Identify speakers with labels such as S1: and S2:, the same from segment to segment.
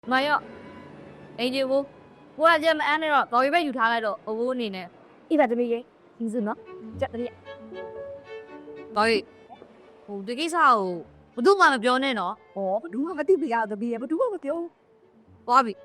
S1: မရောအင်ဂျီဘူးကိုကကြက်မအန်းနဲ့တော့တော်ရီပဲယူထားလိုက်တော့အဘိုးအနေနဲ့အေးပါတမီးရဲ့ယူစုနော်ကြက်တမီးတော်ရီဟိုဒီကိစ္စကိုဘယ်သူမှမပြောနဲ့နော်
S2: ဟောဘယ်သူမှမသိပြရတမီးရဲ့ဘယ်သူမှမပြော
S1: သွားပြီ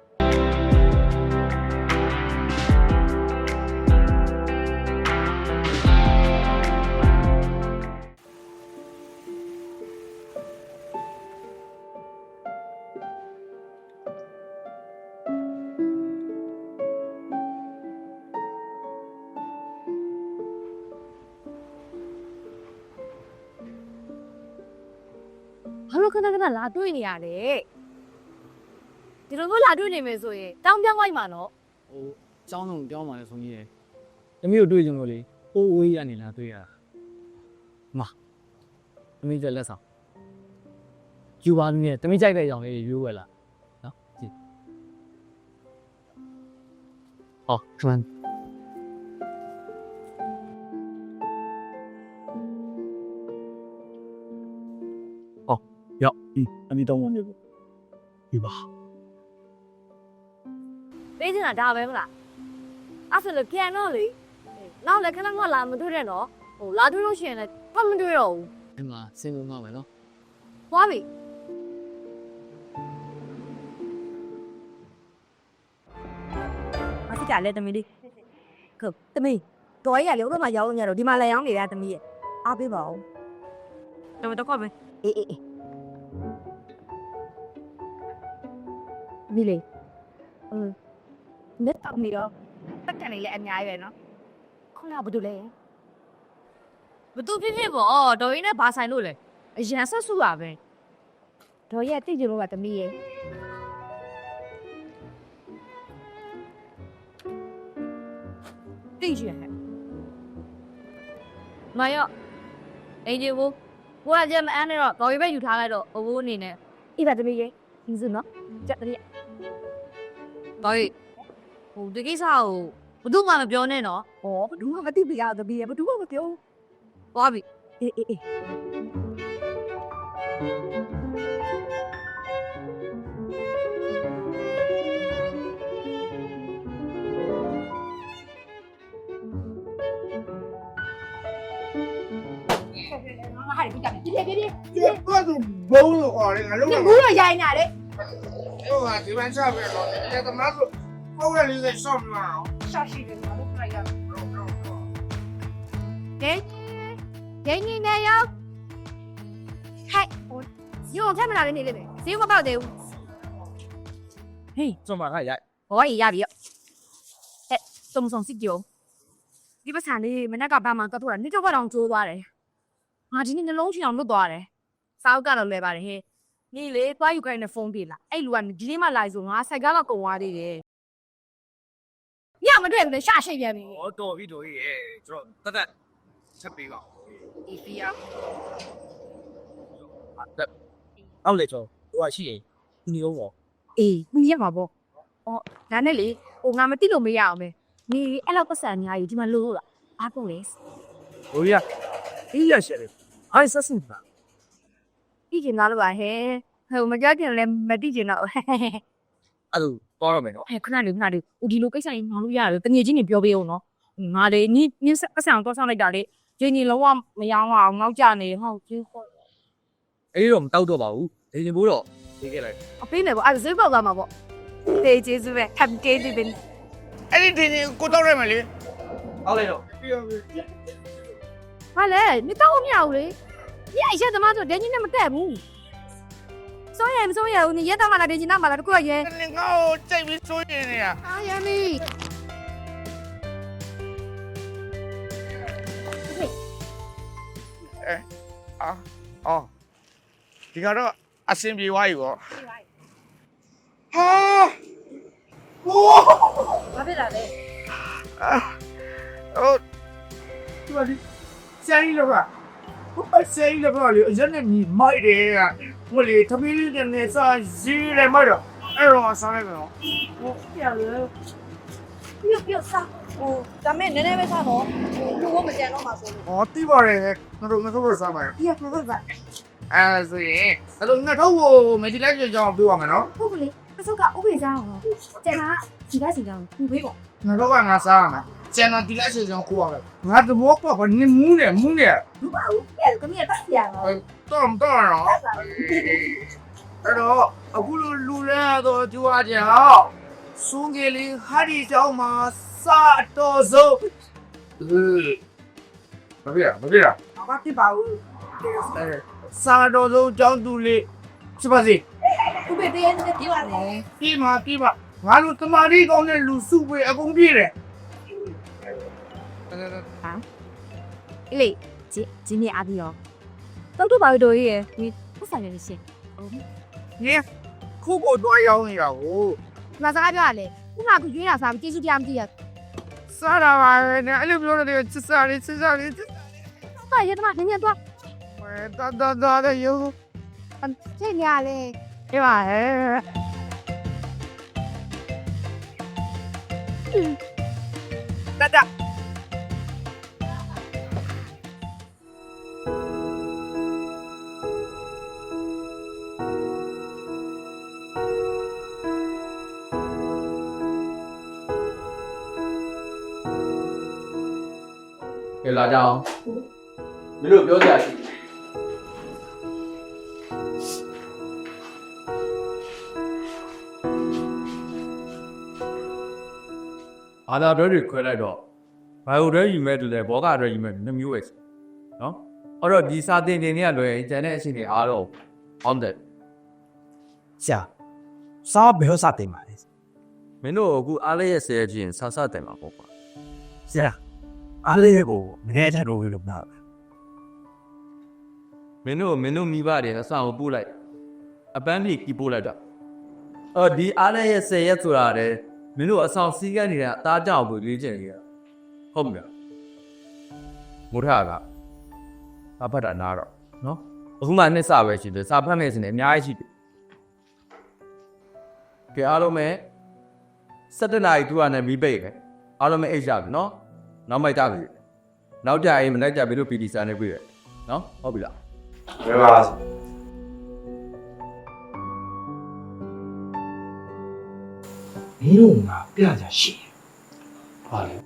S1: ဘာလို့ခဏခဏလာတွေ့နေရလဲဒီလိုမျိုးလာတွေ့နေမယ်ဆိုရင်တောင်းပြောင်းလိုက်မှာနော်
S3: ဟိုအကြောင်းဆုံးပြောင်းပါလေဆုံးကြီးရယ်တမီးတို့တွေ့ကြုံလို့လေအိုးဝေးရနေလားတွေ့ရတာမတမီးကျလက်ဆောင်ယူပါနေတမီးကြိုက်တဲ့အကြောင်းလေးရွေးဝယ်လာနော်ကြည့်ဟောခမန်ရောက်အမီတော့ဝင်ပြီပါ
S1: ပေးချင်တာဒါပဲမလားအဲ့ဆိုလည်းပြန်တော့လေနောက်လည်းခဏခဏလာမတွေ့တဲ့နော်ဟိုလာတွေ့လို့ရှိရင်လည်းပတ်မတွေ့တော့ဘူး
S3: ဒီမှာစင်လုံးတော့မယ်နော်
S1: သွားပြီ
S2: မသိကြလဲတမီးလေးခုတမီးတော်ရရလေဥပမာရောက်နေတော့ဒီမှာလည်းရောင်းနေရတမီးရဲ့အားပေးပါဦး
S1: တော့ပဲ
S2: အေးမီလေးလက်တောက်နေတော့တက်ကန်နေလဲအများကြီးပဲနော်ခုနကဘာလို့လဲ
S1: ဘသူဖြစ်ဖြစ်ပေါ့တော်ရင်းနဲ့ဘာဆိုင်လို့လဲအရန်ဆက်စုပါပဲ
S2: တော်ရတိတ်ကြလို့ကတမီးရဲ့
S1: တိတ်ရှင်ဟဲ့မရောအင်ဂျီဘူးကိုကကြက်မအန်းနဲ့တော့တော်ရီပဲယူထားလိုက်တော့အဘိုးအနေနဲ့
S2: အေးပါတမီးရဲ့ယူစုနော်ကြက်တမီး
S1: တော်ရီဟိုဒီကိစ္စကိုဘယ်သူမှမပြောနဲ့နော်
S2: ဟောဘယ်သူမှမသိပြရတမီးရဲ့ဘယ်သူမှမပြော
S1: သွားပြီ
S2: အေးဟာဒီကြည့်ပြေ
S4: ဘာလို့ဘုံလို့ခေါ်လဲငါလုံး
S2: ဘူးတော့ရိုင်းနေတယ်
S4: ဟိုကဒီမှာချပြတော့တယ်တမန်တို့ဟိုကလေးကရှော့မလား
S2: ရှာရှိတယ်ငါတို့လိုက်ရ
S1: ဒင်းနေနေရောက်ဟဲ့ညို့ထက်မလာနေလေပဲဈေးမပေါက်သေးဘူး
S3: ဟေးကျွန်မကရိုက်
S1: ဟောရပြီဟဲ့စုံစုံစစ်ကြောဒီပတ်စံလေးမနေ့ကဘာမှကတ်ထုတ်တာနေ့တော့ကတော့ကျိုးသွားတယ်ငါဒီနေ့နှလုံးချီအောင်လွတ်သွားတယ်စာအုပ်ကတော့လဲပါတယ်ဟဲ့နေလေသွားယူခိုင်းတဲ့ဖုန်းပြေးလာအဲ့လူကဒီနေ့မှလာဆိုငါစိုက်ကားတော့ကုန်သွားသေးတယ်ညမတွေ့ဘူးလေရှာရှိပြန်ပြီ
S3: ဟောတော်ပြီရဲ့ကျွန်တော်တက်ချက်ပေးပါ
S1: အေးပြရ
S3: အောက်လေကျော်ဟိုကရှိရင်ဒီအောင်ပေါ့
S1: အေးမြင်ရမှာပေါ့အော်ဒါနဲ့လေဟိုငါမသိလို့မရအောင်ပဲနေအဲ့လောက်ပတ်စံအများကြီးဒီမှာလို့လားအားကုန်လေ
S3: ဟိုရအေးရရှယ်လေအိုင်ဆက်စင်ပါ
S1: သိကျင်သားလို့ပါဟဲ့ဟိုမကြခင်လည်းမသိကျင်တော့
S3: အဲ့လိုသွားရမယ်နော်
S1: ဟဲ့ခဏလေးဦးဒီလိုကိစ္စကြီးငေါလို့ရတယ်တငယ်ချင်းတွေပြောပေးအောင်နော်ငါလေနင်းပတ်စံတော့ဆောင်းလိုက်တာလေဂျင်းကြီးလုံးဝမယောင်းအောင်ငေါ့ကြနေဟောက်ကြီးခေါ်
S3: အေးတော့မတောက်တော့ပါဘူးလေရင်ဘိုးတော့ပေးခဲ့လိုက်
S1: အပေးမယ်ပေါ့အဲ့ဒါဈေးပေါက်သွားမှာပေါ့တေးကျေးဇူးပဲဟမ်ကေးဒီပင်
S4: အဲ့ဒီတင်ကိုတောက်ရမယ်လေ
S3: အောက်လေတော့
S1: ဟာလေမတောက်မရဘူးလေညအရက်သမားဆိုဒင်းကြီးနဲ့မတက်ဘူးစိုးရမစိုးရဘူးညရက်တော့မှလာဒင်းကြီးနောက်မှလာတကူရရဲ
S4: ငါ့ကိုကြိုက်ပြီးစိုးနေနေတာ
S1: အာရမီ
S4: အော်ဒီကတော့အစင်ပြေသွားပြီပေါ့ဟာဟိုး
S1: ဘာဖြစ်လာလဲ
S4: ဟိုဒီဆယ်ရီလောကဟိုဆယ်ရီလောကလေအရင်နဲ့ညီမိုက်တယ်ကဟိုလေသမီးလေးနဲ့စာဈေးလည်းမိုက်တော့အဲ့တော့စားလိုက်တော့
S2: ဟိုပြောင်းလို့ပြုတ်စားဟိုဒါမဲ့နည်းနည်းပဲစားတော့လူကမကြံတော့မှာဆိုလို့
S4: ဟောတိပါတယ်ငါတို့စားပါရ
S2: ပြပြပါ
S4: အဲ့ဆိုရင်အဲ့လိုငါတို့ကိုမဒီလိုက်ကြောင်ပြောရမယ်နော်
S2: ဟုတ်ကလေး
S1: အစုကဥပဒေစားအောင်ကျန်တာဒီကစီကောင်ခုပေးပေါ့
S4: ငါတော့ကငါစားရမယ်ကျန်တော့ဒီလက်စီဆောင်ကိုရမယ်ငါသဘောပေါက်ကနေမူးနေ
S2: လူပါဦးကဲကမီးတက်ပြရအောင်
S4: တော့တော့အဲ့တော့အခုလိုလူလဲတော့ကြွားကြအောင်စုံကလေးဟာဒီကြောင့်မှာစာတော်စုပ်မပြရ
S2: ဘာဖြစ်ပါဦး
S4: စာတော်စုပ်ကြောင့်သူလေးဖြစ်ပါစေ
S2: ဥပဒေနဲ့ပြောရတယ်
S4: ပြီးမှာငါတို့တမာရီကောင်းတဲ့လူစုပဲအကုန်ပြည့်တယ်
S1: အေးလေဒီနေ့အားပြီးတော့တောက်တော့ပါတို့ရဲ့ဒီပတ်ဆိုင်ရရှင်
S4: ညခုကိုတော့ရောက်နေရကို
S1: ဒီမှာစကားပြောရလေခုနကရွေးတာစားပြီးကျေးဇူးတရားမသိရ
S4: စားတာပါပဲနဲ့အဲ့လိုပြောတယ်စစ်စားလေး
S1: တော့ရတဲ့မှာနည်းနည်းတော့
S4: ဒါတဲ့ယော
S1: ချိန်ရလေဒီပါဟဲ့
S4: ဒါ
S3: ကဲလာကြအောင်မင်းတို့ပြောကြရှိအာသာတွဲတွေခွဲလိုက်တော့ဘိုင်ယိုတွဲယူမဲ့တူတယ်ဘောကတွဲယူမဲ့2မျိုးပဲနော်အဲ့တော့ဒီစာတင်တင်တွေကလွယ်ကျန်တဲ့အချိန်တွေအားလုံး on that
S5: ဆရာစားဘယ်လိုစတင်ပါလဲ
S3: မင်းတို့အခုအားလေးရဲ့ဆဲချင်းဆဆတင်မှာပေါ့ကွာ
S5: ဆရာအားလေးကိုမနေ့ကတော့လို့ပြောတာ
S3: မင်းတို့မိဘတွေအဆောင်ကိုပို့လိုက်အပန်းဖြေကြီးပို့လိုက်တော့ဒီအားလေးရဲ့ဆဲရက်ဆိုတာတဲ့မင်းတို့အဆောင်စီးကန်းနေတဲ့အသားကြောက်ကိုလေးကျင်နေရဟုတ်ပြီလားမုထကအဖတ်တာနားတော့နော်အခုမှနှစ်စပဲရှိတယ်စာဖတ်မယ်စနေအများကြီးရှိတယ်ကဲအားလုံးပဲ17နာရီ2နဲ့မီးပိတ်ခဲ့အားလုံးပဲအိတ်ရပြီနော်နောက်မိုက်ကြပြီနောက်ကြရင်မလိုက်ကြပြီလို့ PD စာနဲ့ပြည့်ရနော်ဟုတ်ပြီလား
S5: ဘယ်ပါမင်းတို့ကပြကြရှိပါလေ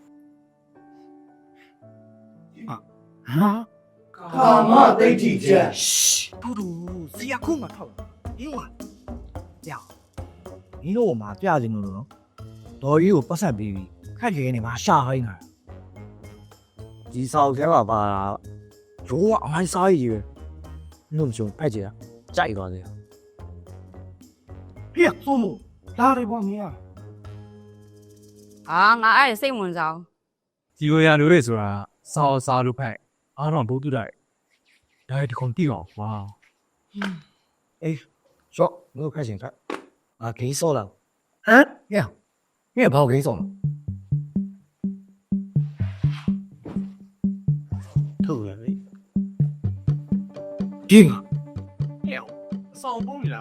S4: ကာမဒိဋ္ဌိချက်
S5: တူတူဆရာခုမှထောက်ဟင်းဝါကြောက်မင်းတို့ကပြကြနေလို့နော်ဒေါ်ကြီးကိုပတ်ဆက်ပြီးခက်ခဲနေမှာရှာဟိုင်းတာဒီဆောင်ထဲမှာပါတာရိုးအမိုင်းစားရည်ပဲနှုတ်ချုံအဲ့ကြတာကြိုက်သွားတယ်
S4: ပြည့်စုံလာတယ်ပေါ့မင်း
S1: အာငါအဲ့စိတ်ဝင်စား
S6: ဒီလိုရလို့လေဆိုတာစားလို့ဖိုက်အားတော့ဘုသူတိုက်ဒါဒီကောင်တိအောင်ဝါ
S5: အေးကျော်ငါခက်ချင်ခက်အာဂိမ်းစောလာဟမ်ညညဘာဂိမ်းစောထုတ်ရပြီပြင်း
S4: ဆောင်ပုံးလာ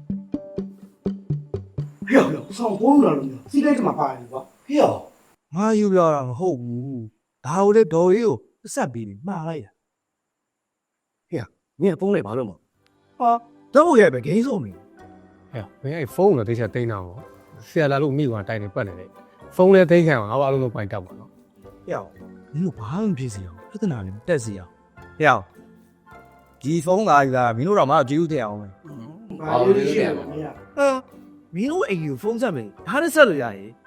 S4: ဟဲ့ဆောင်ပုံးလာလို့စီးလိုက်မှာပါတယ်ကွာ
S5: ဟေ့ငါယူပြတာမဟုတ်ဘူးဒါကိုလေဒေါ်ကြီးကိုဆက်ပြီးမှားလိုက်တာဟေ့ညပုံးလိုက်ပါလို့မဟာတော့ရဲ့ပဲဂိမ်းစောမင်း
S6: ဟဲ့ဘယ်အဲ့ဖုန်းတော့တိကျတိန်းတာပေါ့ဆရာလာလို့မိကွာတိုင်နေပတ်နေတယ်ဖုန်းလည်းသိမ်းခံအောင်ငါအားလုံးတော့ပိုင်တောက်ပါနော်
S5: ဟေ့မင်းတို့ဘာမှမဖြစ်စီအောင်ပြဿနာလည်းတက်စီအောင်ဟေ့ဒီဖုန်းကယူတာမင်းတို့တော့မကြည့်ဦးတဲ့အောင်ပဲ
S4: ဘာလို့လဲမင်း
S5: မင်းတို့အိမ်ကိုဖုန်းဆက်မယ်ဒါနဲ့ဆက်လို့ရရင်